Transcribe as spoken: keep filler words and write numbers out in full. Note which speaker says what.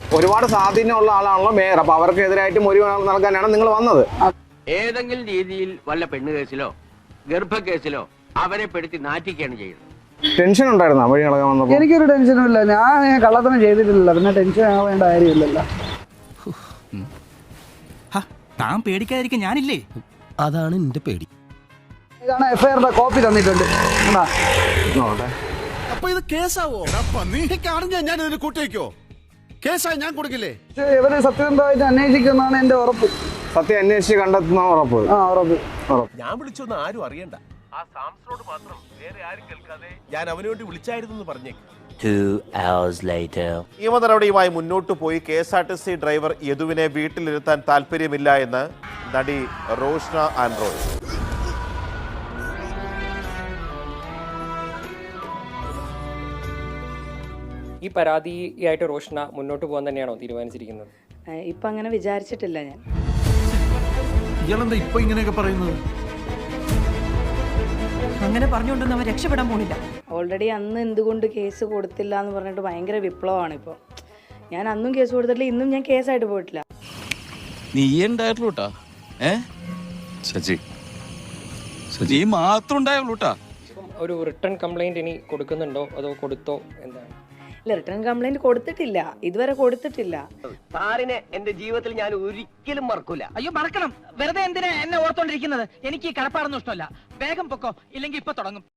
Speaker 1: ഒരുപാട് സ്വാധീനമുള്ള ആളാണല്ലോ മേയർ. അപ്പൊ അവർക്കെതിരായിട്ട് മൊഴി നൽകാനാണ് നിങ്ങൾ വന്നത്.
Speaker 2: ഏതെങ്കിലും രീതിയിൽ വല്ല പെണ്ണ് കേസിലോ ഗർഭ കേസിലോ അവരെ പെടുത്തി നാറ്റിക്കുകയാണ് ചെയ്യുന്നത്.
Speaker 1: ടെൻഷൻ ഉണ്ടായിരുന്നോ വഴി കളയാൻ വന്നപ്പോൾ?
Speaker 3: എനിക്കൊരു ടെൻഷനും ഇല്ല. ഞാൻ കള്ളത്തനം ചെയ്തിട്ടില്ല, പിന്നെ ടെൻഷൻ ആവേണ്ട കാര്യമില്ലല്ലോ.
Speaker 4: താൻ പേടിക്കാതിരിക്കാൻ ഞാനില്ലേ?
Speaker 5: അതാണ് എന്റെ പേടി.
Speaker 3: ഇതാണ് എഫ്ഐആറിന്റെ കോപ്പി തന്നിട്ടുണ്ട്.
Speaker 5: അപ്പൊ ഇത് കേസാവോ? ഞാൻ ഇതിന് കൂട്ടിവെക്കോ? കേസായി ഞാൻ കൊടുക്കില്ലേ?
Speaker 3: ഇവര് സത്യസന്ധമായിട്ട് അന്വേഷിക്കുന്നതാണ് എന്റെ ഉറപ്പ്.
Speaker 1: സത്യം അന്വേഷിച്ച് കണ്ടെത്തുന്ന ഉറപ്പ്.
Speaker 3: ആ ഉറപ്പ്.
Speaker 5: ഞാൻ വിളിച്ചൊന്നും ആരും അറിയണ്ട. ആ സാംസറോട് മാത്രം, വേറെ ആരും കേൾക്കാതെ ഞാൻ അവന് വേണ്ടി വിളിച്ചായിരുന്നു പറഞ്ഞേക്ക്.
Speaker 6: നിയമ നടപടിയുമായി മുന്നോട്ടു പോയി K S R T C driver യദുവിനെ വീട്ടിലിരുത്താൻ താല്പര്യമില്ല എന്ന് നടി റോഷ്ന ആൻഡ്രോയ്.
Speaker 7: ഈ പരാതിയായിട്ട് റോഷ്ന മുന്നോട്ട് പോകാൻ തന്നെയാണോ തീരുമാനിച്ചിരിക്കുന്നത്?
Speaker 8: ഇപ്പൊ അങ്ങനെ വിചാരിച്ചിട്ടില്ല ഞാൻ.
Speaker 4: ഇയാളെന്താ ഇപ്പൊ ഇങ്ങനെയൊക്കെ പറയുന്നത്?
Speaker 9: അങ്ങനെ പറഞ്ഞുകൊണ്ടൊന്നും അവൻ രക്ഷപ്പെടാൻ പോണില്ല.
Speaker 8: ഓൾറെഡി അന്ന് എന്തുകൊണ്ട് കേസ് കൊടുത്തില്ല എന്ന് പറഞ്ഞിട്ട് ഭയങ്കര വിപ്ലവമാണ് ഇപ്പോൾ. ഞാൻ അന്നും കേസ് കൊടുത്തിട്ടില്ല, ഇന്നും ഞാൻ കേസായിട്ട് പോയിട്ടില്ല.
Speaker 10: നീ ഉണ്ടായിട്ടുള്ളൂട്ടാ. ഏ സജി സജി മാത്രം ഉണ്ടായുള്ളൂട്ടാ.
Speaker 7: ഒരു റിട്ടേൺ കംപ്ലൈന്റ് ഇനി കൊടുക്കുന്നുണ്ടോ അതോ കൊടുത്തോ എന്താണ്?
Speaker 8: ഇല്ല, റിട്ടേൺ കംപ്ലൈന്റ് കൊടുത്തിട്ടില്ല, ഇതുവരെ കൊടുത്തിട്ടില്ല.
Speaker 2: സാറിനെ എന്റെ ജീവിതത്തിൽ ഞാൻ ഒരിക്കലും മറക്കൂല.
Speaker 9: അയ്യോ മറക്കണം, വെറുതെ എന്തിനാ എന്നെ ഓർത്തോണ്ടിരിക്കുന്നത്? എനിക്ക് ഈ കടപ്പാടൊന്നും ഇഷ്ടമല്ല. വേഗം പൊക്കോ, ഇല്ലെങ്കിൽ ഇപ്പൊ തുടങ്ങും.